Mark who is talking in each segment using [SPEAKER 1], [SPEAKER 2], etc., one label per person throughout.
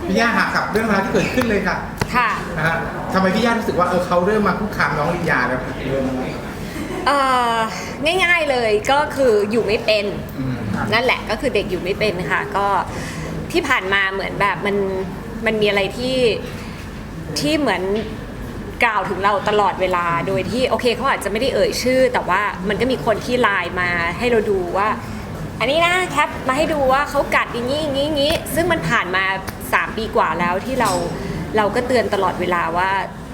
[SPEAKER 1] พี่ย่าหากับเรื่องราวที่เกิดขึ้นเลยค่ะ
[SPEAKER 2] ค่ะ
[SPEAKER 1] นะฮะทำไมพี่ย่ารู้สึกว่าเขาเริ่มมาคุกคามน้องลียาแล้วเริ่มอะไร
[SPEAKER 2] ง่ายๆเลยก็คืออยู่ไม่เป็น
[SPEAKER 1] อืม
[SPEAKER 2] นั่นแหละก็คือเด็กอยู่ไม่เป็นค่ะก็ที่ผ่านมาเหมือนแบบมันมีอะไรที่เหมือนกล่าวถึงเราตลอดเวลาโดยที่โอเคเขาอาจจะไม่ได้เอ่ยชื่อแต่ว่ามันก็มีคนที่ไลน์มาให้เราดูว่าอันนี้นะแคปมาให้ดูว่าเขากัดอย่างนี้อย่างนี้อย่างนี้ซึ่งมันผ่านมา3 ปีกว่าแล้วที่เราก็เตือนตลอดเวลาว่า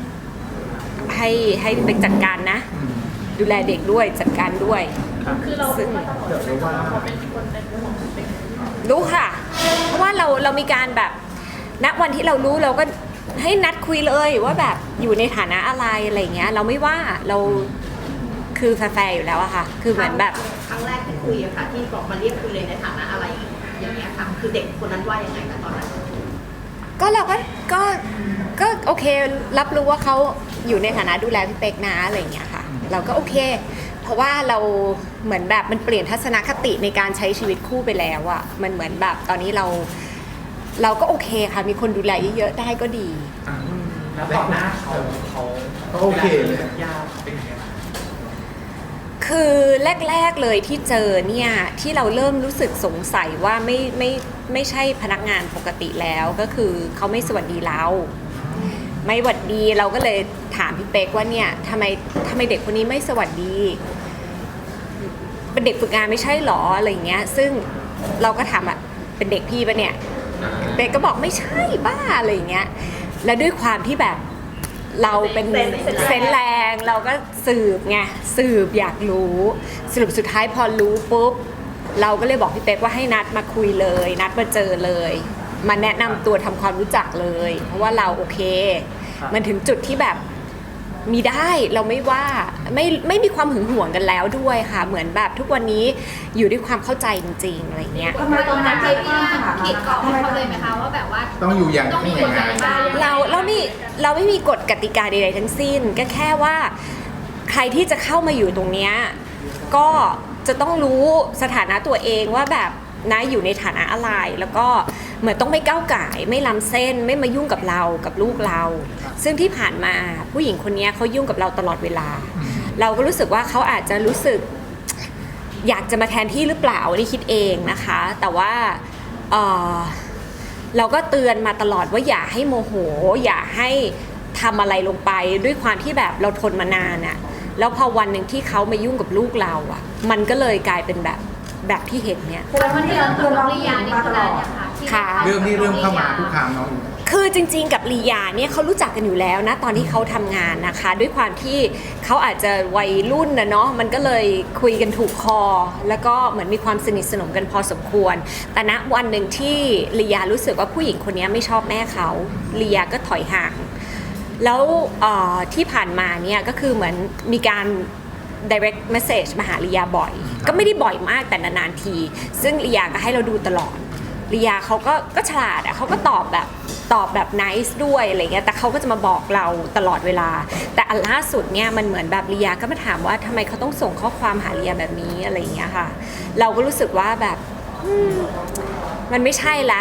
[SPEAKER 2] ให้ไปจัดการนะดูแลเด็กด้วยจัดการด้วย
[SPEAKER 3] คือเราซึ่งเดี๋ยวรู้ว่าเขาเป็นคนในเรื่องของเด็ก
[SPEAKER 2] รู้ค่ะเพราะว่าเรามีการแบบณวันที่เรารู้เราก็ให้นัดคุยเลยว่าแบบอยู่ในฐานะอะไรเงี้ยเราไม่ว่าเราคือแฟร์อยู่แล้วอะค่ะคือเหมือนแบบ
[SPEAKER 4] ครั้งแรกที่คุยอะค่ะที่บอกมาเรียกคุยเลยในฐานะอะไรอย่างเงี้ยค่ะคือเด็กคนนั้นว่ายังไงคะตอนนั้น
[SPEAKER 2] ก็เราก็โอเครับรู้ว่าเขาอยู่ในฐานะดูแลพี่เป๊กนะอะไรเงี้ยค่ะเราก็โอเคเพราะว่าเราเหมือนแบบมันเปลี่ยนทัศนคติในการใช้ชีวิตคู่ไปแล้วอะมันเหมือนแบบตอนนี้เราก็โอเคค่ะมีคนดูแลเยอะๆได้ก็ดี
[SPEAKER 5] แล้วต่อหน้าเขา
[SPEAKER 1] โอเคเลย
[SPEAKER 5] ยากเป็นยังไง
[SPEAKER 2] คือแรกๆเลยที่เจอเนี่ยที่เราเริ่มรู้สึกสงสัยว่าไม่ใช่พนักงานปกติแล้วก็คือเขาไม่สวัสดีเราไม่หวัดดีเราก็เลยถามพี่เป๊กว่าเนี่ยทำไมเด็กคนนี้ไม่สวัสดีเป็นเด็กฝึกงานไม่ใช่หรออะไรเงี้ยซึ่งเราก็ถามอะเป็นเด็กพี่ปะเนี่ยเป๊กก็บอกไม่ใช่บ้าอะไรเงี้ยแล้วด้วยความที่แบบเราเป็นเซนแรงเราก็สืบไงสืบอยากรู้สรุปสุดท้ายพอรู้ปุ๊บเราก็เลยบอกพี่เป๊กว่าให้นัดมาคุยเลยนัดมาเจอเลยมาแนะนำตัวทำความรู้จักเลยเพราะว่าเราโอเคมันถึงจุดที่แบบมีได้เราไม่ว่าไม่มีความหึงหวงกันแล้วด้วยค่ะเหมือนแบบทุกวันนี้อยู่ด้วยความเข้าใจจริงๆอะไรเงี้ย
[SPEAKER 4] ทำไมตอนนั้นเจ๊พี่ขีดกรอบให้เขาเลยไหมคะว่าแบบว่า
[SPEAKER 1] ต้องอยู่อย่าง
[SPEAKER 4] ต้องมีกฎกติกา
[SPEAKER 2] เราไม่มีกฎกติกาใดๆทั้งสิ้นก็แค่ว่าใครที่จะเข้ามาอยู่ตรงเนี้ยก็จะต้องรู้สถานะตัวเองว่าแบบนะอยู่ในฐานะอะไรแล้วก็เหมือนต้องไม่ก้าวก่ายไม่ล้ำเส้นไม่มายุ่งกับเรากับลูกเราซึ่งที่ผ่านมาผู้หญิงคนนี้เขายุ่งกับเราตลอดเวลาเราก็รู้สึกว่าเขาอาจจะรู้สึกอยากจะมาแทนที่หรือเปล่านี่คิดเองนะคะแต่ว่าเราก็เตือนมาตลอดว่าอย่าให้โมโหอย่าให้ทำอะไรลงไปด้วยความที่แบบเราทนมานานอะแล้วพอวันหนึ่งที่เขามายุ่งกับลูกเราอะมันก็เลยกลายเป็นแบบที่เห็นเนี่ย
[SPEAKER 4] แล้ววันที่เราเตือนน้องลียานี่คืออะไร
[SPEAKER 2] ค่ะ
[SPEAKER 1] เรื่องที่เริ่มเข้ามาคุกคามน้อง
[SPEAKER 2] คือจริงๆกับลียาเนี่ยเขารู้จักกันอยู่แล้วนะตอนที่เขาทำงานนะคะด้วยความที่เขาอาจจะวัยรุ่นนะเนาะมันก็เลยคุยกันถูกคอแล้วก็เหมือนมีความสนิทสนมกันพอสมควรแต่ณวันหนึ่งที่ลียารู้สึกว่าผู้หญิงคนนี้ไม่ชอบแม่เขาลียาก็ถอยห่างแล้วที่ผ่านมาเนี่ยก็คือเหมือนมีการ direct message มาหาลียาบ่อยก็ไม่ได้บ่อยมากแต่นานๆทีซึ่งลียาก็ให้เราดูตลอดลียาเขาก็ฉลาดอะเขาก็ตอบแบบ nice ด้วยอะไรเงี้ยแต่เขาก็จะมาบอกเราตลอดเวลาแต่อันล่าสุดเนี่ยมันเหมือนแบบลียาก็มาถามว่าทำไมเขาต้องส่งข้อความหาลียาแบบนี้อะไรเงี้ยค่ะเราก็รู้สึกว่าแบบมันไม่ใช่ละ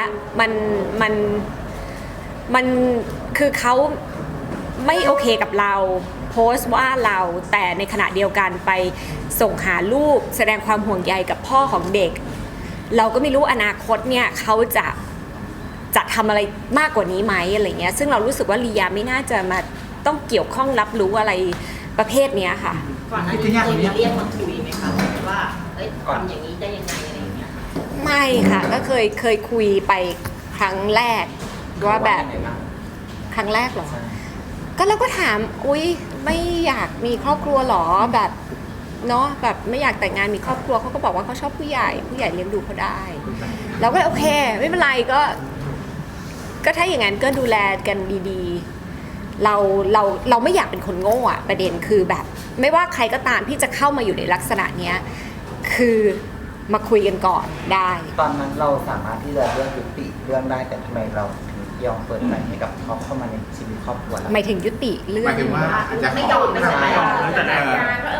[SPEAKER 2] มันคือเขาไม่โอเคกับเราโพสต์ว่าเราแต่ในขณะเดียวกันไปส่งหาลูกแสดงความห่วงใยกับพ่อของเด็กเราก็ไม่รู้อนาคตเนี่ยเขาจะทำอะไรมากกว่านี้ไหมอะไรเงี้ยซึ่งเรารู้สึกว่าลียาไม่น่าจะมาต้องเกี่ยวข้องรับรู้อะไรประเภทนี้ค่ะ
[SPEAKER 4] ก่อนหน้านี้เคยเรียกมาคุยไหมคะว่าทำอย่างนี้ได้ยังไงอะไรอย่างเงี้ย
[SPEAKER 2] ไม่ค่ะก็เคยคุยไปครั้งแรกว่าแบบครั้งแรกเหรอก็เราก็ถามอุ๊ยไม่อยากมีครอบครัวหรอแบบเนาะแบบไม่อยากแต่งงานมีครอบครัวเขาก็บอกว่าเขาชอบผู้ใหญ่เลี้ยงดูเขาได้เราก็โอเคไม่เป็นไรก็ถ้าอย่างนั้นก็ดูแลกันดีๆเราไม่อยากเป็นคนโง่อะประเด็นคือแบบไม่ว่าใครก็ตามที่จะเข้ามาอยู่ในลักษณะเนี้ยคือมาคุยกันก่อนได้
[SPEAKER 5] ตอนนั้นเราสามารถที่จะเลือกยุติเรื่องได้แต่ทำไมเรายอมเปิดใจให้กับเขาเข้ามาในชีวิตครอบครัว
[SPEAKER 2] หมายถึงยุติเรื่อง
[SPEAKER 1] หมายถึงว่าจะ
[SPEAKER 4] ไม่ยอมไม่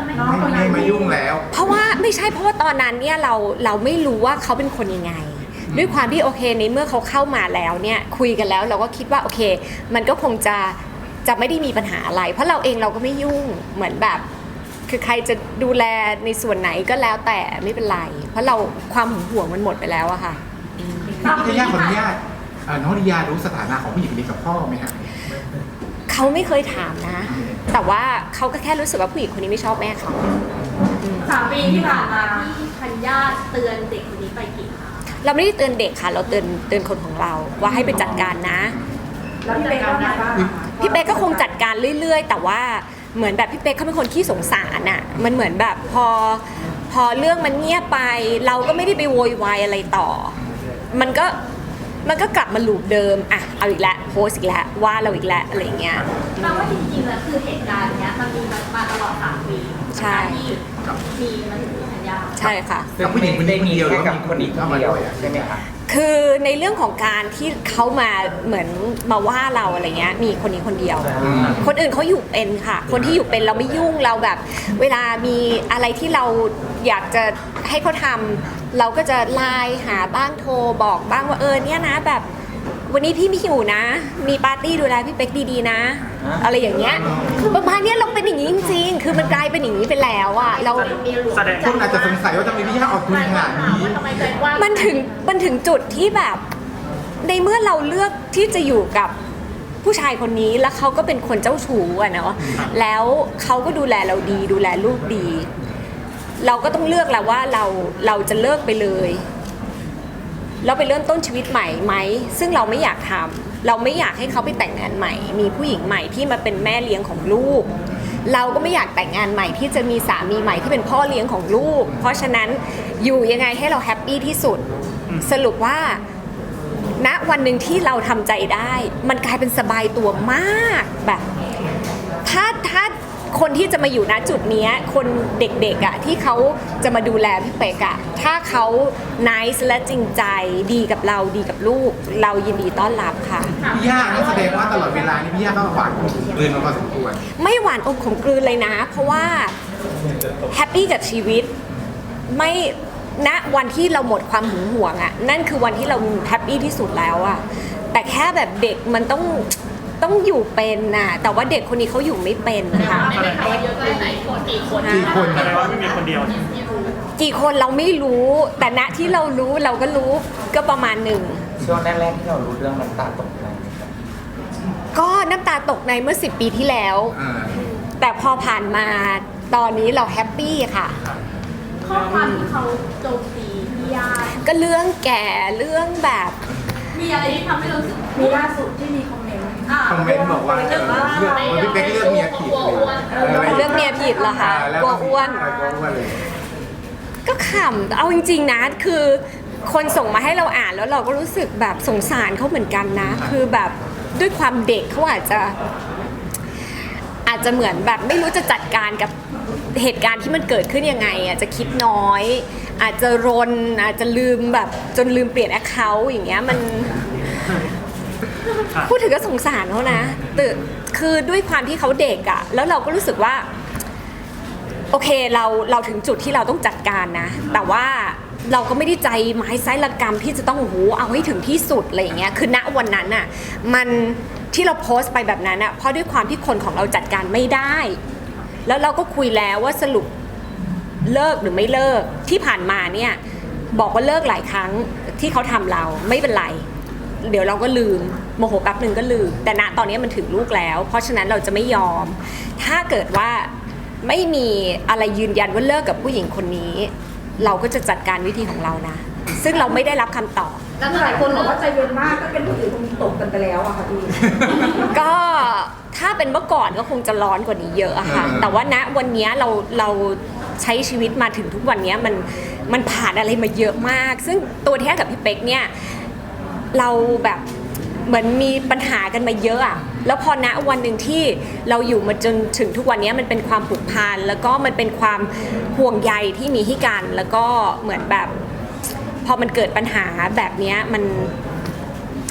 [SPEAKER 1] มายุ่งแล้ว
[SPEAKER 2] เพราะว่าไม่ใช่เพราะว่าตอนนั้นเนี่ยเราไม่รู้ว่าเขาเป็นคนยังไงด้วยความที่โอเคในเมื่อเขาเข้ามาแล้วเนี่ยคุยกันแล้วเราก็คิดว่าโอเคมันก็คงจะไม่ได้มีปัญหาอะไรเพราะเราเองเราก็ไม่ยุ่งเหมือนแบบคือใครจะดูแลในส่วนไหนก็แล้วแต่ไม่เป็นไรเพราะเราความหึงหวงมันหมดไปแล้วอะค่ะ
[SPEAKER 1] พี่ย่าขออนุญาตน้องลียารู้สถานะของผู้หญิงคนนี้กับพ่อไหมฮะ
[SPEAKER 2] เขาไม่เคยถามนะ แต่ว่าเขาก็แค่รู้สึกว่าผู้หญิงคนนี้ไม่ชอบแม่เขา
[SPEAKER 3] 3 ปีที่ผ่านมาพี่ธัญญาเตือนเด็กคนนี้ไปกี่ครั้ง
[SPEAKER 2] เราไม่ได้เตือนเด็กค่ะ เราเตือนคนของเราว่าให้ไปจัดการนะ
[SPEAKER 3] แล้วพี่เป๊กว่าไงบ้าง
[SPEAKER 2] พี่เป๊กก็คงจัดการเรื่อยๆ แต่ว่าเหมือนแบบพี่เป๊กเขาเป็นคนขี้สงสารอ่ะมันเหมือนแบบพอเรื่องมันเงียบไป เราก็ไม่ได้ไปโวยวายอะไรต่อ มันก็กลับมาลูปเดิมอ่ะเอาอีกแล้วโพสต์อีกแล้วว่าเราอีกแล้วอะไรอย่างเงี้ย
[SPEAKER 3] แปลว่าจริงๆแล้วคือเหตุการณ์เนี้ยมันมีมาตลอด3 ปี
[SPEAKER 2] ใช่
[SPEAKER 3] ที่มีมันถึงธัญญา
[SPEAKER 2] ใช่ค่ะ
[SPEAKER 1] กับผู้หญิงคนนี้คนเดียว
[SPEAKER 5] แค่กับ
[SPEAKER 1] แล้วมี
[SPEAKER 5] คนนี้คนเดียวใช่ไหมคะ
[SPEAKER 2] คือในเรื่องของการที่เขามาเหมือนมาว่าเราอะไรเงี้ยมีคนนี้คนเดียว คนอื่นเขาอยู่เป็นค่ะ คนที่อยู่เป็นเราไม่ยุ่งเราแบบ เวลามีอะไรที่เราอยากจะให้เขาทำเราก็จะไลน์หาบ้างโทรบอกบ้างว่าเนี่ยนะแบบ วันนี้พี่ไม่หิวนะ มีปาร์ตี้ดูแลพี่เป๊กดีๆนะ อะไรอย่างเงี้ยคือประมาณเนี้ยเราเป็นอย่างนี้จริงๆคือมันกลายเป็นอย่างนี้ไปแล้วอะเรา
[SPEAKER 1] แสดงคนอาจจะสงสัยว่าทำไมพี่ย่าออกทุนขนาดนี้
[SPEAKER 3] ทำไมใจกว้าง
[SPEAKER 2] มันถึงจุดที่แบบ ในเมื่อเราเลือกที่จะอยู่กับผู้ชายคนนี้แล้วเขาก็เป็นคนเจ้าชู้อะเนาะแล้วเขาก็ดูแลเราดีดูแลลูกดี เราก็ต้องเลือกแล้วว่าเราจะเลิกไปเลยเราไปเริ่มต้นชีวิตใหม่ไหมซึ่งเราไม่อยากทำเราไม่อยากให้เขาไปแต่งงานใหม่ มีผู้หญิงใหม่ที่มาเป็นแม่เลี้ยงของลูก เราก็ไม่อยากแต่งงานใหม่ที่จะมีสามีใหม่ที่เป็นพ่อเลี้ยงของลูก เพราะฉะนั้นอยู่ยังไงให้เราแฮปปี้ที่สุดสรุปว่าณวันหนึ่งที่เราทำใจได้ มันกลายเป็นสบายตัวมากแบบถ้าคนที่จะมาอยู่ณจุดนี้คนเด็กๆอ่ะที่เขาจะมาดูแลพี่เป๊กอ่ะถ้าเขา nice และจริงใจดีกับเราดีกับลูก เรายินดีต้อนรับค่ะ
[SPEAKER 1] พี่ย่านั่นแสดงว่าตลอดเวลานี้พี่ย่าก็หวานเกินมาพอสมควร
[SPEAKER 2] ไม่หวานอมขมกลืนเลยนะ เพราะว่าแฮปปี้กับชีวิตไม่ณวันที่เราหมดความหึงหวงอ่ะนั่นคือวันที่เราแฮปปี้ที่สุดแล้วอ่ะแต่แค่แบบเด็กมันต้องอยู่เป็นน่ะแต่ว่าเด็กคนนี้เขาอยู่ไม่เป็นนะคะ
[SPEAKER 3] ไม่ได้ข่าวว่าเยอะแค่ไหนกี่คน
[SPEAKER 1] กี่คน
[SPEAKER 6] แสดงว่าไม่มีคนเดียว
[SPEAKER 2] กี่คนเราไม่รู้ แต่ณที่เรารู้เราก็รู้ก็ประมาณหนึ่ง
[SPEAKER 5] ช่วงแรกๆที่เรารู้เรื่องน้ำตาตกในไหมครับ
[SPEAKER 2] ก็น้ำตาตกในเมื่อ10 ปีที่แล้ว
[SPEAKER 1] อ่า
[SPEAKER 2] แต่พอผ่านมาตอนนี้เราแฮปปี้ค่ะ
[SPEAKER 3] ข้อความที่เขาโจมตีพี่ญาติ
[SPEAKER 2] ก็เรื่องแก่เรื่องแบบ
[SPEAKER 3] มีอะไรที่ทำให้เรารู้สึกมีล่าสุดที่มีคอมเมนต์
[SPEAKER 1] คอมเมนต์บอกว่าเรื่องพี่เป๊กเลือกเมียผิดเลย
[SPEAKER 2] เรื่องเมียผิดเหรอคะกลัวอ้วน
[SPEAKER 1] กลัวอ้วนเลย
[SPEAKER 2] ก็ขำเอาจริงๆนะคือคนส่งมาให้เราอ่านแล้วเราก็รู้สึกแบบสงสารเขาเหมือนกันนะ คือแบบด้วยความเด็กเขาอาจจะเหมือนแบบไม่รู้จะจัดการกับเหตุการณ์ที่มันเกิดขึ้นยังไงอาจจะคิดน้อย อาจจะรนอาจจะลืมแบบจนลืมเปลี่ยนแอคเคาท์อย่างเงี้ยมันพูดถึงก็สงสารเขานะแต่คือด้วยความที่เขาเด็กอะแล้วเราก็รู้สึกว่า โอเคเราถึงจุดที่เราต้องจัดการนะแต่ว่าเราก็ไม่ได้ใจไม้ไซระกรรมที่จะต้องโอ้โหเอาให้ถึงที่สุดอะไรอย่างเงี้ยคือณวันนั้นน่ะมันที่เราโพสต์ไปแบบนั้นน่ะเพราะด้วยความที่คนของเราจัดการไม่ได้ แล้วเราก็คุยแล้วว่าสรุปเลิกหรือไม่เลิกที่ผ่านมาเนี่ยบอกว่าเลิกหลายครั้งที่เขาทำเราไม่เป็นไรเดี๋ยวเราก็ลืมโมโหแป๊บหนึ่งก็ลืมแต่ณตอนนี้มันถึงลูกแล้ว เพราะฉะนั้นเราจะไม่ยอมถ้าเกิดว่าไม่มีอะไรยืนยันว่าเลิกกับผู้หญิงคนนี้ เราก็จะจัดการวิธีของเรานะ ซึ่งเราไม่ได้รับคำตอบ
[SPEAKER 3] แล้วหลายคนบอกว่าใจเย็นมากก็เป็นผู้หญิงคนนี้ตกกันไปแล้วอะค่ะพี่
[SPEAKER 2] ก็ถ้าเป็นเมื่อก่อนก็คงจะร้อนกว่านี้เยอะอะค่ะ แต่ว่าณวันนี้เราใช้ชีวิตมาถึงทุกวันนี้มันผ่านอะไรมาเยอะมาก ซึ่งตัวแท้กับพี่เป๊กเนี่ยเราแบบเหมือนมีปัญหากันมาเยอะอะแล้วพอณวันหนึ่งที่เราอยู่มาจนถึงทุกวันนี้มันเป็นความผูกพันแล้วก็มันเป็นความห่วงใยที่มีให้กันแล้วก็เหมือนแบบพอมันเกิดปัญหาแบบนี้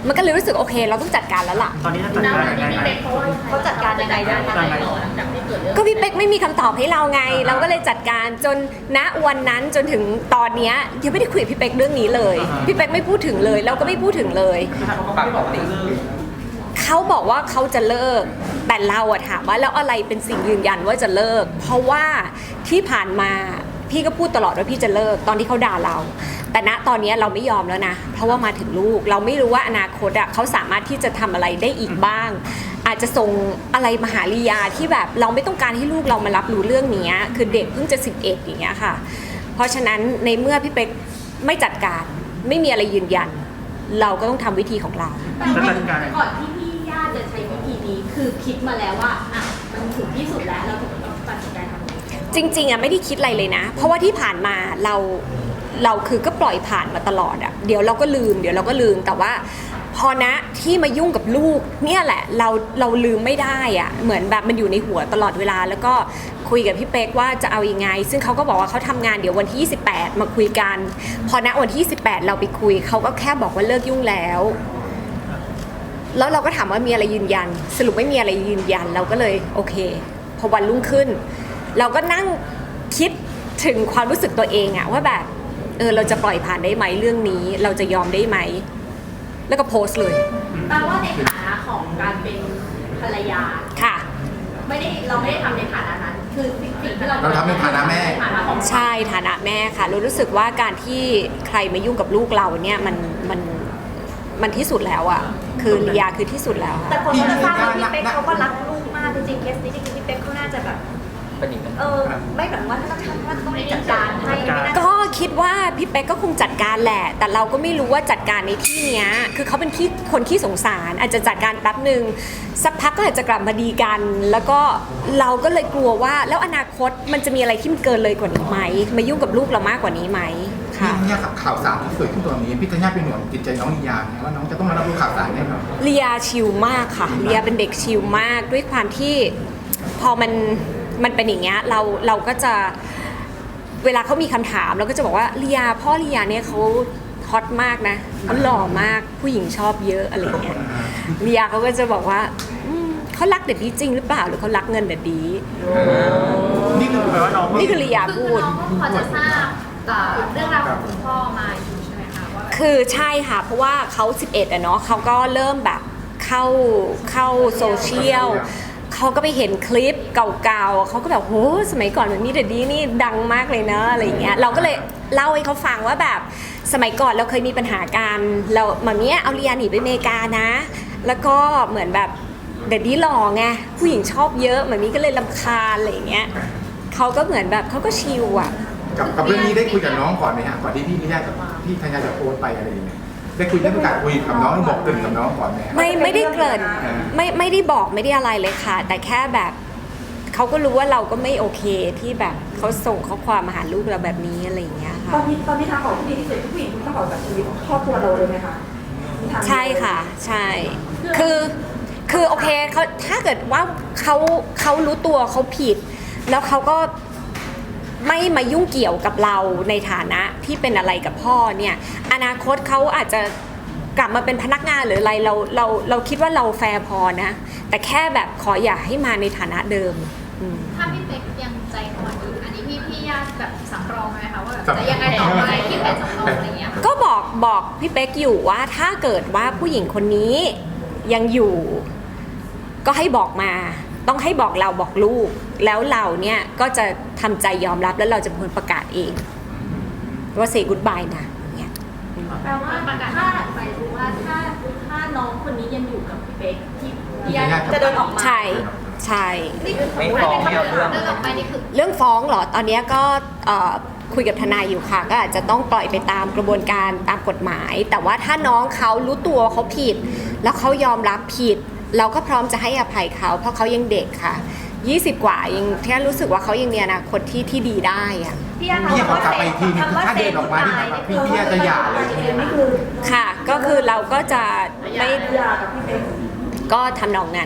[SPEAKER 2] มันก็เลยรู้สึกโอเคเราต้องจัดการแล้วล่ะ
[SPEAKER 6] ตอนนี้จะจัดการยังไง
[SPEAKER 3] พี่เป๊กเขาจัดการยังไงได้คะหลังจากที่เกิดเรื่อง
[SPEAKER 2] ก็พี่เป๊กไม่มีคำตอบให้เราไง เราก็เลยจัดการจนณวันนั้นจนถึงตอนเนี้ยยังไม่ได้คุยกับพี่เป๊กเรื่องนี้เลย พี่เป๊กไม่พูดถึงเลยเราก็ไม่พูดถึงเลย
[SPEAKER 6] ปากบอกติ
[SPEAKER 2] เขาบอกว่าเขาจะเลิก แต่เราอะถามว่าแล้วอะไรเป็นสิ่งยืนยันว่าจะเลิก เพราะว่าที่ผ่านมาพี่ก็พูดตลอดว่าพี่จะเลิกตอนที่เขาด่าเรา แต่ณตอนนี้เราไม่ยอมแล้วนะ เพราะว่ามาถึงลูกเราไม่รู้ว่าอนาคตอะเขาสามารถที่จะทำอะไรได้อีกบ้าง อาจจะส่งอะไรมาหาลียาที่แบบเราไม่ต้องการให้ลูกเรามารับรู้เรื่องนี้คือเด็กเพิ่งจะ11อย่างเงี้ยค่ะ เพราะฉะนั้นในเมื่อพี่เป๊กไม่จัดการไม่มีอะไรยืนยัน เราก็ต้องทำวิธีของเรา
[SPEAKER 3] แต่ว่าก่อนที่พี่ย่าจะใช้วิธีนี้คือคิดมาแล้วว่าอ่ะมันถึงที่สุดแล้วเราถึงต้องตัดสินใจทำนี้
[SPEAKER 2] จริงๆอะไม่ได้คิดอะไรเลยนะ เพราะว่าที่ผ่านมาเราคือก็ปล่อยผ่านมาตลอดอะเดี๋ยวเราก็ลืมแต่ว่าพอนะที่มายุ่งกับลูกเนี่ยแหละเราลืมไม่ได้อะเหมือนแบบมันอยู่ในหัวตลอดเวลาแล้วก็คุยกับพี่เป๊กว่าจะเอายังไง ซึ่งเขาก็บอกว่าเขาทำงานเดี๋ยววันที่28มาคุยกัน พอณวันที่28เราไปคุยเขาก็แค่บอกว่าเลิกยุ่งแล้วเราก็ถามว่ามีอะไรยืนยัน สรุปไม่มีอะไรยืนยันเราก็เลยโอเคพอวันรุ่งขึ้น เราก็นั่งคิดถึงความรู้สึกตัวเองอะว่าแบบเราจะปล่อยผ่านได้ไหมเรื่องนี้เราจะยอมได้ไหมแล้วก็โพสต์เลย
[SPEAKER 3] แปลว่าในฐานะของการเป็นภรรยา
[SPEAKER 2] ค่ะ
[SPEAKER 3] เราไม่ได้ทำในฐานะนั้น คือสิ่งที่เรา
[SPEAKER 1] เราทำในฐานะแม่
[SPEAKER 3] ฐานะของ
[SPEAKER 2] ใช่ฐานะแม่ค่ะเรารู้สึกว่าการที่ใครมายุ่งกับลูกเราเนี่ยมันที่สุดแล้วอะคือลียาคือที่สุดแล้ว
[SPEAKER 7] แต่
[SPEAKER 2] ค่ะ
[SPEAKER 7] คนก็จะทราบว่าพี่เป๊กเขาก็รักลูกมากจริงๆเคสนี้จริงๆพี่เป๊กเขาน่าจะแบบ
[SPEAKER 5] เป็นอีกเป็น
[SPEAKER 7] ไม่แบบว่าถ้าต้องจัดการให้ไม่น่า
[SPEAKER 2] ก็คิดว่าพี่เป๊กก็คงจัดการแหละแต่เราก็ไม่รู้ว่าจัดการในที่เนี้ยคือเขาเป็นคนขี้สงสารอาจจะจัดการแป๊บหนึ่งสักพักก็อาจจะกลับมาดีกัน แล้วก็เราก็เลยกลัวว่าแล้วอนาคตมันจะมีอะไรที่มันเกินเลยกว่านี้ไหมมายุ่งกับลูกเรามากกว่านี้ไหม
[SPEAKER 1] พี่
[SPEAKER 2] ค่ะ
[SPEAKER 1] ธัญญากับข่าวสารที่เกิดขึ้นตอนนี้พี่ธัญญาเป็นห่วงจิตใจน้องลียาไหมว่าน้องจะต้องมารับรู้ข่าวสารแน่นอน
[SPEAKER 2] เลียชิลมากค่ะเลียเป็นเด็กชิลมากด้วยความที่พอมันเป็นอย่างเงี้ยเราก็จะเวลาเขามีคำถามเราก็จะบอกว่าเลียพ่อเลียเนี่ยเขาฮอตมากนะเขาหล่อมากผู้หญิงชอบเยอะอะไรเงี้ยเลียเขาก็จะบอกว่าเขารักเด็ดดีจริงหรือเปล่าหรือเขารักเงินเด็ดดี
[SPEAKER 1] นี่คือ
[SPEAKER 6] แปลว่าน้อง
[SPEAKER 2] นี่คือเลีย
[SPEAKER 3] คือ
[SPEAKER 2] พูด
[SPEAKER 3] น้องก็พอจะทราบเรื่องราวของคุณพ่อมาอยู่ใช่ไหมคะว่าแบบ
[SPEAKER 2] คือใช่ค่ะเพราะว่าเขา11อะเนาะเขาก็เริ่มแบบเข้าโซเชียลเขาก็ไปเห็นคลิปเก่าๆเขาก็แบบโหสมัยก่อนแบบนี้เด็ดดีนี่ดังมากเลยเนอะอะไรอย่างเงี้ยเราก็เลยเล่าให้เขาฟังว่าแบบสมัยก่อนเราเคยมีปัญหากันเราแบบเนี้ยเอาเรียนหนีไปอเมริกานะแล้วก็เหมือนแบบเด็ดดีหล่อไงผู้หญิงชอบเยอะแบบนี้ก็เลยรำคาญอะไรอย่างเงี้ยเขาก็เหมือนแบบเขาก็ชิลอะ
[SPEAKER 1] กับเรื่องนี้ได้คุยกับน้องก่อนไหมฮะก่อนที่พี่ธัญญาจะโพสต์ไปอะไรอย่างเงี้ยได้คุยได้มีการคุยกับน้องบอกตื่นกับน้องก่อนไหม
[SPEAKER 2] ไม่ได้เกริ่นไม่ได้บอกไม่ได้อะไรเลยค่ะ แต่แค่แบบเขาก็รู้ว่าเราก็ไม่โอเคที่แบบเขาส่งข้อความมาหาลูกเราแบบนี้อะไรอย่างเงี้ย
[SPEAKER 7] ต
[SPEAKER 2] ค่ะ
[SPEAKER 7] อนนี้ทางออกที่ดีที่สุดผู้หญิงคุณต้องออกจากชีวิตครอบครัวเราเลยไหมคะมีทางเดียว
[SPEAKER 2] ใช่ค่ะใช่คือโอเคเขาถ้าเกิดว่าเขารู้ตัวเขาผิด แล้วเขาก็ไม่มายุ่งเกี่ยวกับเราในฐานะที่เป็นอะไรกับพ่อเนี่ยอนาคตเขาอาจจะกลับมาเป็นพนักงานหรืออะไรเราคิดว่าเราแฟร์พอนะแต่แค่แบบขออย่าให้มาในฐานะเดิม
[SPEAKER 3] ถ้าพี่เป๊กยังใจอ่อนอยู่อันนี้พี่ย่าแบบสำรองไหมคะว่าแบบจะยังไงต่อไปพี่เป็นสำรองอะไรอย่างเงี้ย
[SPEAKER 2] ก็บอกพี่เป๊กอยู่ว่าถ้าเกิดว่าผู้หญิงคนนี้ยังอยู่ก็ให้บอกมาต้องให้บอกเราบอกลูกแล้วเราเนี่ยก็จะทำใจยอมรับแล้วเราจะเป็นคนประกาศเองว่า say goodbye นะเนี่ย
[SPEAKER 3] แปลว่าถ้าหมายถึงว่าถ้าน้องคนนี้ยังอยู่กับพี่เป๊กที่พี่ย่า
[SPEAKER 7] จะเดินออกมา
[SPEAKER 2] ใช่
[SPEAKER 3] นี่คือ
[SPEAKER 5] ไม่ฟ้องไม่เอาเรื่อง
[SPEAKER 3] เรื่องต่อไปนี่คือ
[SPEAKER 2] เรื่องฟ้องเหรอตอนนี้ก็คุยกับทนายอยู่ค่ะก็อาจจะต้องปล่อยไปตามกระบวนการตามกฎหมาย แต่ว่าถ้าน้องเขารู้ตัวเขาผิด แล้วเขายอมรับผิด เราก็พร้อมจะให้อภัยเขาเพราะเขายังเด็กค่ะ20 กว่ายังแค่รู้สึกว่าเขายังมีอนาคตที่ดีได้อะ
[SPEAKER 7] พี่ย่า
[SPEAKER 1] พี่ขอกลับไปอีกทีนึงคือถ้าเดินออกมาที่แบบพี่ย่าจะหย่าเลย
[SPEAKER 7] นี่คือ
[SPEAKER 2] ค่ะก็คือเราก็จะไม่
[SPEAKER 7] หย่ากับพี่เป๊ก
[SPEAKER 2] ก็ทำนองนั้น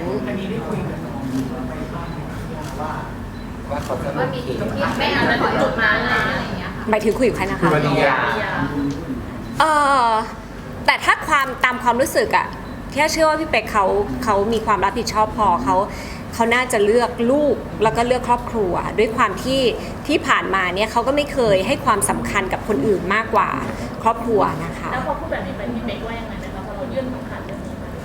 [SPEAKER 5] ว่าเขาจะโอ
[SPEAKER 3] ว่ามี
[SPEAKER 5] เค
[SPEAKER 3] จุดที่ไม่อาจจะถึงจุดนั้นอะไรอย่างเงี้ยค่ะ
[SPEAKER 2] หมายถึงคุยกับใครนะ
[SPEAKER 1] คือ
[SPEAKER 2] คะ
[SPEAKER 1] วันนี้
[SPEAKER 2] เออแต่ถ้าความตามความรู้สึกอะที่เชื่อว่าพี่เป๊กเขามีความรับผิดชอบพอเขาน่าจะเลือกลูกแล้วก็เลือกครอบครัวด้วยความที่ผ่านมาเนี่ยเขาก็ไม่เคยให้ความสำคัญกับคนอื่นมากกว่าครอบครัวนะคะ
[SPEAKER 3] แล้วพอพูดแบบนี้ไปพี่เป๊กว่ายังไงไหมคะพอเรายื่นคำขาดเรื่องนี้มา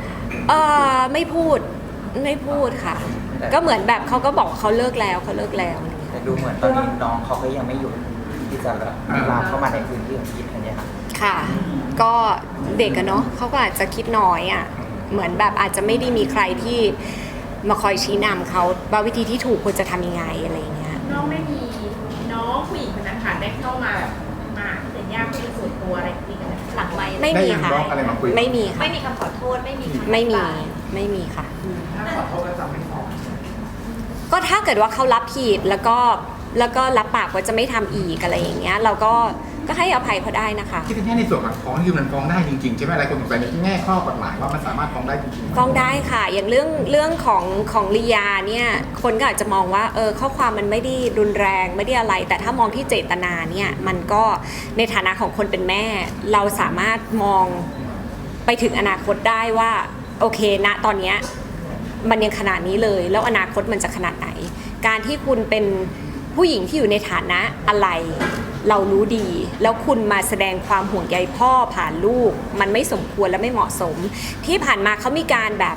[SPEAKER 2] ไม่พูดค่ะ ก็เหมือนแบบเขาก็บอกเขาเลิกแล้ว
[SPEAKER 5] แต่ดูเหมือนตอนนี้น้องเขาก็ยังไม่หยุดที่จะลามเข้ามาในพื้นที่ของพี่ธัญญา
[SPEAKER 2] ค่ะ ก็เด็กอะเนาะเขาก็อาจจะคิดน้อยอะเหมือนแบบอาจจะไม่ได้มีใครที่มาคอยชี้นำเขาว่าวิธีที่ถูกควรจะทำยังไงอะไรอย่างเงี้ย
[SPEAKER 4] น้องไม่มีน้องผู้หญิงคนนั้นค่ะได้เข้ามาแบบมาเป็นญาติเป็นส่วนตัวอะไรคุยกันหลังไมค์
[SPEAKER 2] ไม่มีค่ะ
[SPEAKER 1] ได้ยังบล็อกอะไรมาคุย
[SPEAKER 2] ไม่มีค่ะ
[SPEAKER 3] ไม่มีคำขอโทษไม่มีคำ
[SPEAKER 2] ไม่มี
[SPEAKER 3] อธิบาย
[SPEAKER 2] ไม่มีค่ะ
[SPEAKER 6] ถ้าขอโทษก็จะไม่ฟ้อง
[SPEAKER 2] ก็ถ้าเกิดว่าเขารับผิดแล้วก็รับปากว่าจะไม่ทำอีกอะไรอย่างเงี้ยเราก็ให้อภัยเขาได้นะคะ
[SPEAKER 1] ที่เป็นแค่ในส่วนของฟ้องคือมันฟ้องได้จริงๆใช่ไหมอะไรคนสงสัยในแง่ข้อกฎหมายว่ามันสามารถฟ้องได้จริงๆ
[SPEAKER 2] ฟ้องได้ค่ะ อย่างเรื่องของลียาเนี่ยคนก็อาจจะมองว่าข้อความมันไม่ได้รุนแรงไม่ได้อะไร แต่ถ้ามองที่เจตนาเนี่ยมันก็ในฐานะของคนเป็นแม่ เราสามารถมองไปถึงอนาคตได้ว่าโอเคณตอนเนี้ยมันยังขนาดนี้เลยแล้วอนาคตมันจะขนาดไหน การที่คุณเป็นผู้หญิงที่อยู่ในฐานะอะไรเรารู้ดี แล้วคุณมาแสดงความห่วงใยพ่อผ่านลูกมันไม่สมควรและไม่เหมาะสม ที่ผ่านมาเขามีการแบบ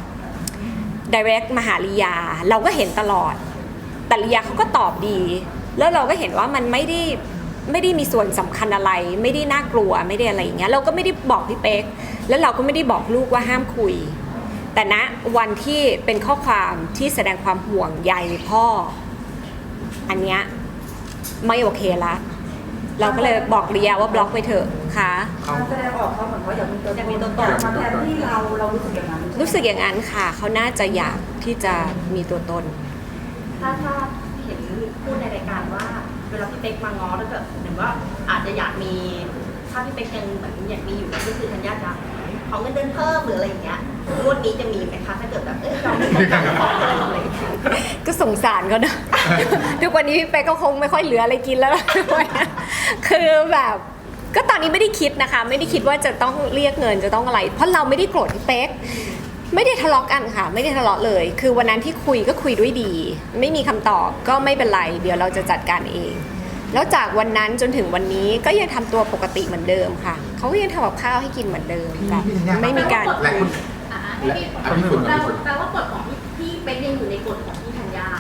[SPEAKER 2] direct มาหาลียาเราก็เห็นตลอดแต่ลียาเขาก็ตอบดี แล้วเราก็เห็นว่ามันไม่ได้มีส่วนสำคัญอะไรไม่ได้น่ากลัวไม่ได้อะไรอย่างเงี้ยเราก็ไม่ได้บอกพี่เป๊กแล้วเราก็ไม่ได้บอกลูกว่าห้ามคุยแต่ณวันที่เป็นข้อความที่แสดงความห่วงใยพ่ออันเนี้ยไม่โอเคละเราก็เลยบอกลียาว่าบล็อกไปเถอะค่ะ
[SPEAKER 7] การแสดงออกเขาเหมือนเขาอยากมีตัวตนมาแทนที่เรารู้สึกอย่างนั้น
[SPEAKER 2] รู้สึกอย่างนั้นค่ะเขาน่าจะอยากที่จะมีตัวตน
[SPEAKER 4] ถ้าเห็นพูดในรายการว่าเวลาพี่เป๊กมาง้อแล้วแบบเหมือนว่าอาจจะอยากมีถ้าพี่เป๊กยังแบบอยากมีอยู่ก็คือธัญญาจะขอเงินเดือนเพิ่มหรืออะไรอย่างเงี้ยงวดนี้จะมีไหมคะถ้าเกิดแบบเราไม่ต้องการขอเพิ่มอะไรอย่างเงี้ย
[SPEAKER 2] ก็สงสารเขานะ ทุกวันนี้พี่เป๊กก็คงไม่ค่อยเหลืออะไรกินแล้วล่ะ คือแบบก็ตอนนี้ไม่ได้คิดนะคะ ไม่ได้คิดว่าจะต้องเรียกเงินจะต้องอะไร เพราะเราไม่ได้โกรธพี่เป๊กไม่ได้ทะเลาะกันค่ะ ไม่ได้ทะเลาะเลย คือวันนั้นที่คุยก็คุยด้วยดี ไม่มีคำตอบก็ไม่เป็นไรเดี๋ยวเราจะจัดการเอง แล้วจากวันนั้นจนถึงวันนี้ก็ยังทำตัวปกติเหมือนเดิมค่ะเขาก็ยังทำกับข้าวให้กินเหมือนเดิมแบบไม่มีการ
[SPEAKER 1] และคุณ
[SPEAKER 3] ให้พี่แปลว่ากฎของพี่เป๊กยังอยู่ในกฎของพี่ธัญญาก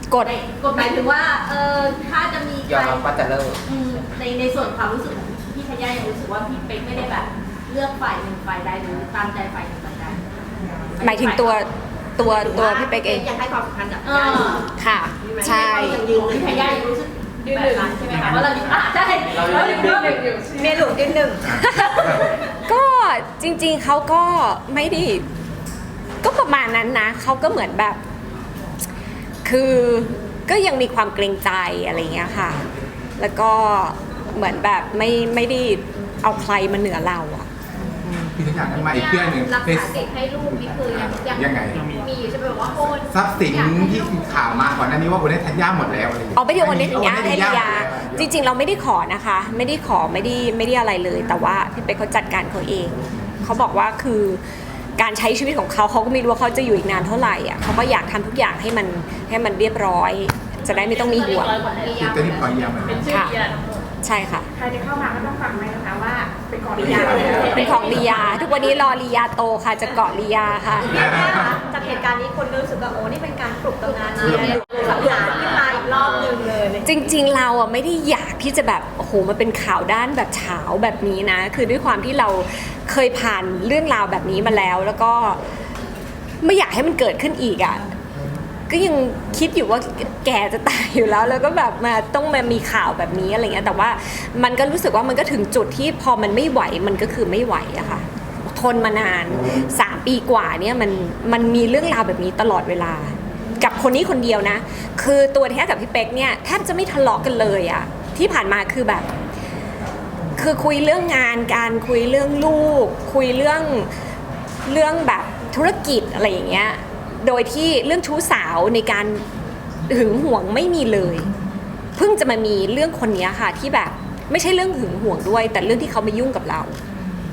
[SPEAKER 2] ฎ
[SPEAKER 3] กฎหมายถึงว่าถ้าจะมี
[SPEAKER 5] ยอมรับว่าจะเลิก
[SPEAKER 3] ในส่วนความรู้สึกของพี่ธัญญายังรู้สึกว่าพี่เป๊กไม่ได้แบบเลือกฝ่ายหนึ่งฝ่ายใดหรือตามใจฝ่ายหนึ่งฝ่ายใด
[SPEAKER 2] หมายถึงตัวพี่เป๊กเอง
[SPEAKER 4] ยังให้ความสำคัญกับ
[SPEAKER 3] เอ
[SPEAKER 4] ญาติ
[SPEAKER 3] อ
[SPEAKER 2] ค่ะใช่
[SPEAKER 3] พี่ธัญญายังรู้สึกแบบนั้นใช่ไหมคะว่าเราอยู่ใช่เราอยู่อยู่
[SPEAKER 4] เมียหลวงยืนหนึ่ง
[SPEAKER 2] ก็จริงๆเขาก็ไม่ได้ก็ประมาณนั้นนะเขาก็เหมือนแบบ คือก็ยังมีความเกรงใจอะไรเงี้ยค่ะ แล้วก็เหมือนแบบไม่ได้เอาใครมาเหนือเราอะ
[SPEAKER 1] พี่ทุกอย่างนั้นมาอีกเรื่องหนึ่ง
[SPEAKER 3] รักษาเด็กให้ลูกนี่คือยัง
[SPEAKER 1] ไง
[SPEAKER 3] มีอยู่ใช่ไหมว่าโอน
[SPEAKER 1] ทรัพย์สินที่ข่าวมาก่อนหน้านี้ว่าคนนี้ธัญญาหมดแล้วอะไรอย่างเงี้ย
[SPEAKER 2] เอาไปเดี๋ยววันนี้อย่างเงี้ยให้ลียาจริงๆเราไม่ได้ขอนะคะ ไม่ได้ขอไม่ได้อะไรเลย แต่ว่าพี่เป๊กเขาจัดการเขาเองเขาบอกว่าคือการใช้ชีวิตของเขาก็ไม่รู้ว่าเขาจะอยู่อีกนานเท่าไหร่อ่ะเขาก็อยากทำทุกอย่างให้มันเรียบร้อย จะได้ไม่ต้องมีห่วง
[SPEAKER 1] คือจะรีบขอเยี่ยมมัน
[SPEAKER 3] เป็นชื่อเยียร์ทั้งหมด
[SPEAKER 2] ใช่ค่ะ
[SPEAKER 7] ใครจะเข้ามาก็ต้องฟังไหมนะคะว่าเป็นของ
[SPEAKER 4] ลียา
[SPEAKER 2] เป็นของลียาทุกวันนี้รอลียาโตค่ะจะเกาะลียาค่ะ
[SPEAKER 3] จากเหตุการณ์นี้คนรู้สึกว่าโอ้นี่เป็นการปลุกตำนานเชียร์สังหารขึ้นมาอีกรอบนึงเลย
[SPEAKER 2] จริงๆเราอ่ะไม่ได้อยากที่จะแบบโอ้โหมาเป็นข่าวด้านแบบเฉาแบบนี้นะ คือด้วยความที่เราเคยผ่านเรื่องราวแบบนี้มาแล้ว แล้วก็ไม่อยากให้มันเกิดขึ้นอีกอ่ะก็ยังคิดอยู่ว่าแกจะตายอยู่แล้วก็แบบมาต้องมามีข่าวแบบนี้อะไรเงี้ยแต่ว่ามันก็รู้สึกว่ามันก็ถึงจุดที่พอมันไม่ไหวมันก็คือไม่ไหวอะค่ะทนมานาน3 ปีกว่าเนี่ยมันมีเรื่องราวแบบนี้ตลอดเวลา กับคนนี้คนเดียวนะคือตัวแท้กับพี่เป๊กเนี่ยแทบจะไม่ทะเลาะกันเลยอะที่ผ่านมาคือแบบคือคุยเรื่องงานการคุยเรื่องลูกคุยเรื่องแบบธุรกิจอะไรอย่างเงี้ยโดยที่เรื่องชู้สาวในการหึงหวงไม่มีเลยเพิ่งจะมามีเรื่องคนนี้ค่ะที่แบบไม่ใช่เรื่องหึงหวงด้วยแต่เรื่องที่เขามายุ่งกับเรา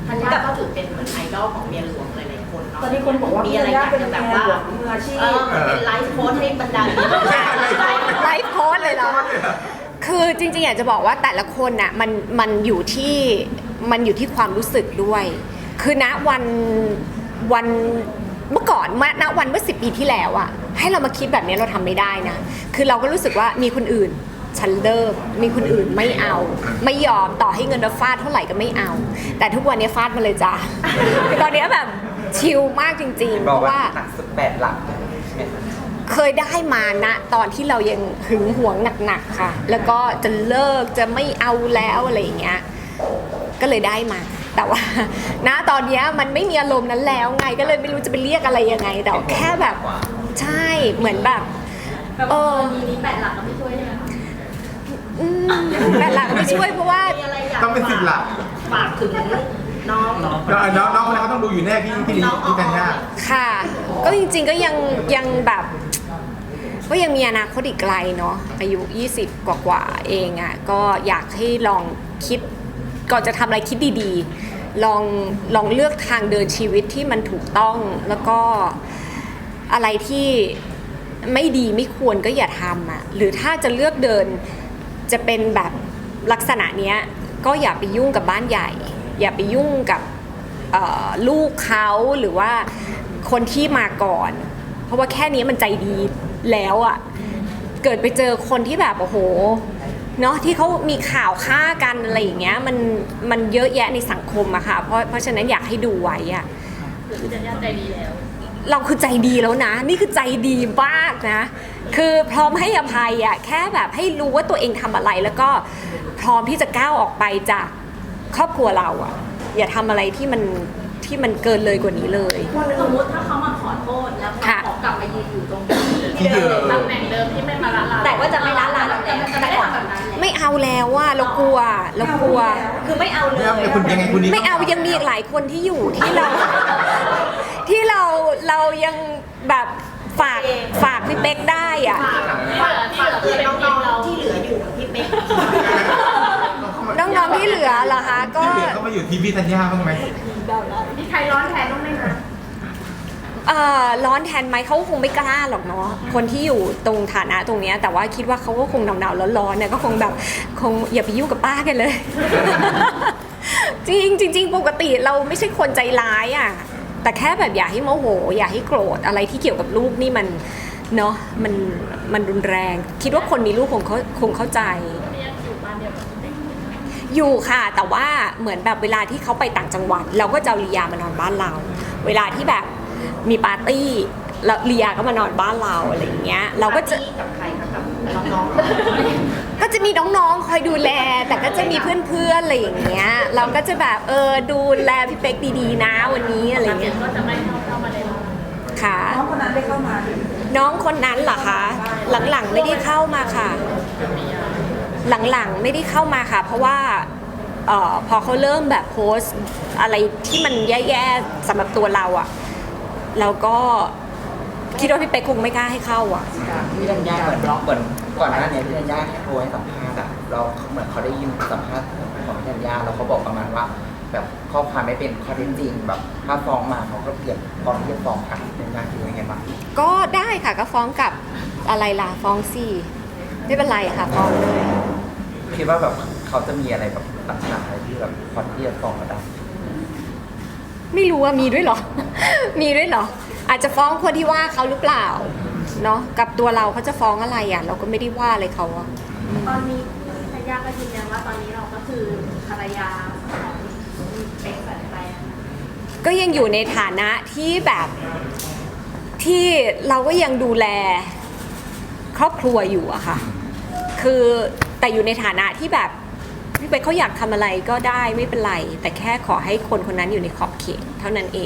[SPEAKER 4] ธัญญาก็ถือเป็นเหมือนไอดอลของเมียหลวงหลายๆคนเนาะ
[SPEAKER 7] ตอนนี้คนบอกว่า
[SPEAKER 4] มี
[SPEAKER 7] พี่
[SPEAKER 4] อะไร
[SPEAKER 7] ธัญ
[SPEAKER 4] อ
[SPEAKER 7] ญาย
[SPEAKER 4] าก
[SPEAKER 7] เป็น
[SPEAKER 4] จะ
[SPEAKER 7] แบ
[SPEAKER 4] แบบ บ
[SPEAKER 7] ว่า
[SPEAKER 4] ว่า
[SPEAKER 7] มืออาชีพ
[SPEAKER 4] เป็นไลฟ์โค้ชให้บรรดา
[SPEAKER 2] ไลฟ์โค้ดเลยเหรอ คือจริงๆอยากจะบอกว่าแต่ละคนน่ะมันอยู่ที่ความรู้สึกด้วย คือณวันเมื่อก่อนณวันเมื่อ10 ปีที่แล้วอะให้เรามาคิดแบบนี้เราทำไม่ได้นะ คือเราก็รู้สึกว่ามีคนอื่นฉันเลิกมีคนอื่นไม่เอา ไม่ยอมต่อให้เงินเราฟาดเท่าไหร่ก็ไม่เอา แต่ทุกวันนี้ฟาดมาเลยจ้า คือตอนนี้แบบชิลมากจริงๆ เพ
[SPEAKER 5] บอก
[SPEAKER 2] ราะ
[SPEAKER 5] ว่า
[SPEAKER 2] ว่า
[SPEAKER 5] หนักสุด8 หลักใช่ไหมคะ
[SPEAKER 2] เคยได้มานะตอนที่เรายังหึงหวงหนักๆค่ะ แล้วก็จะเลิกจะไม่เอาแล้วอะไรอย่างเงี้ย ก็เลยได้มา แต่ว่า ณตอนเนี้ยมันไม่มีอารมณ์นั้นแล้วไง ก็เลยไม่รู้จะไปเรียกอะไรยังไง แต่แค่แบบ ใช่ เหมือนแบบ
[SPEAKER 3] แบบมีนี้8 หลักก็ไม่ช่วยใช่ไหมคะ
[SPEAKER 2] แต่หลักไม่ช่วยเพราะว่า
[SPEAKER 4] มีอะไรอยาก
[SPEAKER 1] ต้องเป็น10 หลัก
[SPEAKER 4] ฝากถึงน้อง
[SPEAKER 1] น้องคนนั้นเขาต้องดูอยู่แน่พี่ธัญญา
[SPEAKER 2] ค่ะ ก็จริงๆก็ยังแบบก็ยังมีอนาคตอีกไกลเนาะอายุ20กว่าๆเองอ่ะก็อยากให้ลองคิดก่อนจะทำอะไรคิดดีๆลองเลือกทางเดินชีวิตที่มันถูกต้องแล้วก็อะไรที่ไม่ดีไม่ควรก็อย่าทำอ่ะหรือถ้าจะเลือกเดินจะเป็นแบบลักษณะเนี้ยก็อย่าไปยุ่งกับบ้านใหญ่ อย่าไปยุ่งกับลูกเขาหรือว่าคนที่มาก่อน เพราะว่าแค่นี้มันใจดีแล้วอะ่ะเกิดไปเจอคนที่แบบโอ้โหเนาะที่เขามีข่าวฆ่ากันอะไรอย่างเงี้ยมันเยอะแยะในสังคมอะค่ะเพราะฉะนั้นอยากให้ดูไว้อะ
[SPEAKER 3] คือธัญญาใจดีแล้ว
[SPEAKER 2] เราคือใจดีแล้วนะ นี่คือใจดีมากนะ คือพร้อมให้อภัยอะแค่แบบให้รู้ว่าตัวเองทำอะไรแล้วก็พร้อมที่จะก้าวออกไปจากครอบครัวเราอะอย่าทำอะไรที่มันเกินเลยกว่านี้เลย
[SPEAKER 3] สมมติถ้าเขามาขอโทษแล้วเขา
[SPEAKER 2] ค่ะ
[SPEAKER 3] ขอกลับมายืนอยู่ตรง
[SPEAKER 1] ที่เดิม
[SPEAKER 3] ตำแหน่งเดิมที่ไม่มาละลาน
[SPEAKER 4] แต่ว่าจะไม่ละลาน
[SPEAKER 3] แต่มันจะไม่ได้ทำแบบนั้นแหละ
[SPEAKER 2] ไม่เอาแล้วว่าเรากลัว
[SPEAKER 4] คือไม่เอาเลย
[SPEAKER 1] แล้วคุณยังไงคุณนี้
[SPEAKER 2] ไม่เอายังมีอีกหลายคนที่อยู่ที่เรา ที่เรายังแบบฝากพี่เป๊กได้อ่ะ
[SPEAKER 3] ที่เหลือคือเป็น
[SPEAKER 4] น้
[SPEAKER 3] ที
[SPEAKER 4] อง
[SPEAKER 3] มเรา
[SPEAKER 4] ๆที่เหลืออยู่กับพี่เป๊ก
[SPEAKER 2] น้องๆที่เหลือเหรอคะก็
[SPEAKER 1] ที่เหลือเขามาอยู่ทีมพี่ธัญญาบ้างไหม
[SPEAKER 3] มีใครร้อนแทนต้องไหมคะ
[SPEAKER 2] ร้อนแทนไหมเขาคงไม่กล้าหรอกเนาะคนที่อยู่ตรงฐานะตรงเนี้ยแต่ว่าคิดว่าเขาก็คงหนาวๆร้อนๆเนี่ยก็คงแบบคงอย่าไปยุ่งกับป้ากันเลย จริงปกติเราไม่ใช่คนใจร้ายอ่ะแต่แค่แบบอย่าให้โมโหอย่าให้โกรธอะไรที่เกี่ยวกับลูกนี่มันเนาะมันรุนแรง คิดว่าคนมีลูกคงเข้าใจ
[SPEAKER 3] ยังอยู่บ้านเดียวกัน
[SPEAKER 2] อยู่ค่ะแต่ว่าเหมือนแบบเวลาที่เขาไปต่างจังหวัดเราก็จะเอาลียามานอนบ้านเรา เวลาที่แบบมีปาร์ตี้แล้วลียาก็มานอนบ้านเราอะไรอย่างเงี้ยเราก็จะ
[SPEAKER 4] กับใครคะกับน้อง
[SPEAKER 2] ก็จะมีน้องๆคอยดูแล แต่ก็จะมีเพื่อนๆอะไรอย่างเงี้ยเราก็จะแบบดูแลพี่เป๊กดีๆนะวันนี้อะไรอย่างเงี้ย
[SPEAKER 3] ก็จะไม่เข้ามาในร้าน
[SPEAKER 2] ค่ะ
[SPEAKER 7] น้องคนนั้นได้เข้ามา
[SPEAKER 2] น้องคนนั้นเหรอคะหลังๆไม่ได้เข้ามาค่ะ หลังๆไม่ได้เข้ามาค่ะ เพราะว่าพอเขาเริ่มแบบโพสต์อะไรที่มันแย่ๆสำหรับตัวเราอะเราก็คิดว่าพี่เป๊กคงไม่กล้าให้เข้าอะ
[SPEAKER 5] พี่ธัญญาเหมือนก่อนหน้านี้พี่ธัญญาแค่โทรให้สัมภาษณ์อะเราเหมือนเขาได้ยินสัมภาษณ์ของพี่ธัญญาแล้วเขาบอกประมาณว่า แบบข้อความไม่เป็นข้อเท็จจริงแบบถ้าฟ้องมาเขาก็เตรียมพร้อมที่จะฟ้องค่ะพี่ธัญญาคิดว่าไงบ้าง
[SPEAKER 2] ก็ได้ค่ะก็ฟ้องกับอะไรล่ะฟ้องสิไม่เป็นไรค่ะฟ้องเลย
[SPEAKER 5] คิดว่าแบบเขาจะมีอะไรแบบลักษณะอะไรที่แบบพอที่จะฟ้องเราได้
[SPEAKER 2] ไม่รู้ว่ามีด้วยเหรอ มีด้วยเหรอ อาจจะฟ้องคนที่ว่าเขาหรือเปล่าเนาะกับตัวเราเขาจะฟ้องอะไรอ่ะเราก็ไม่ได้ว่าอะไรเขาอะ
[SPEAKER 3] ตอนนี้ธัญญาก็ยืนยันว่าตอนนี้เราก็คือภรรยาของเป๊กสัญชัยอะ
[SPEAKER 2] ก็ยังอยู่ในฐานะที่แบบที่เราก็ยังดูแลครอบครัวอยู่อะค่ะ คือแต่อยู่ในฐานะที่แบบพี่เป๊กเขาอยากทำอะไรก็ได้ไม่เป็นไร แต่แค่ขอให้คนคนนั้นอยู่ในขอบเขตเท่านั้นเอง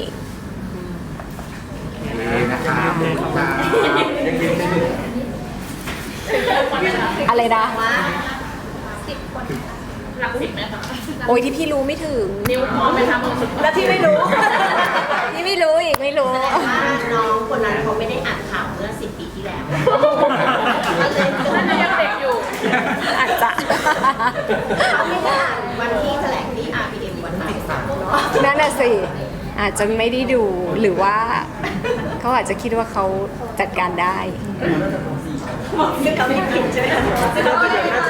[SPEAKER 1] นะครับ
[SPEAKER 2] อะไรนะ
[SPEAKER 3] หลัก10ไหมคะ
[SPEAKER 2] โอ้ยที่พี่รู้ไม่ถึง
[SPEAKER 3] นิ้วพอไหมคะมือสุด
[SPEAKER 4] แล้วที่ไม่รู้
[SPEAKER 2] ที่ไม่รู้อีกไม่รู้
[SPEAKER 4] น้องคนนั้นเขาไม่ได้อ่านข่าวเมื่อ10 ปีที่แล้ว
[SPEAKER 3] น่าจะยังเด็กอยู่
[SPEAKER 2] อาจจะ
[SPEAKER 4] เขาไม่ได้อ่านวันที่แถลงที่ RPM วันไหนเนาะ
[SPEAKER 2] นั่นน่ะละสิอาจจะไม่ได้ดูหรือว่าเขาอาจจะคิดว่าเขาจัดการได้
[SPEAKER 4] ซึ่งเขาไม่ผิดใช่ไหมคะ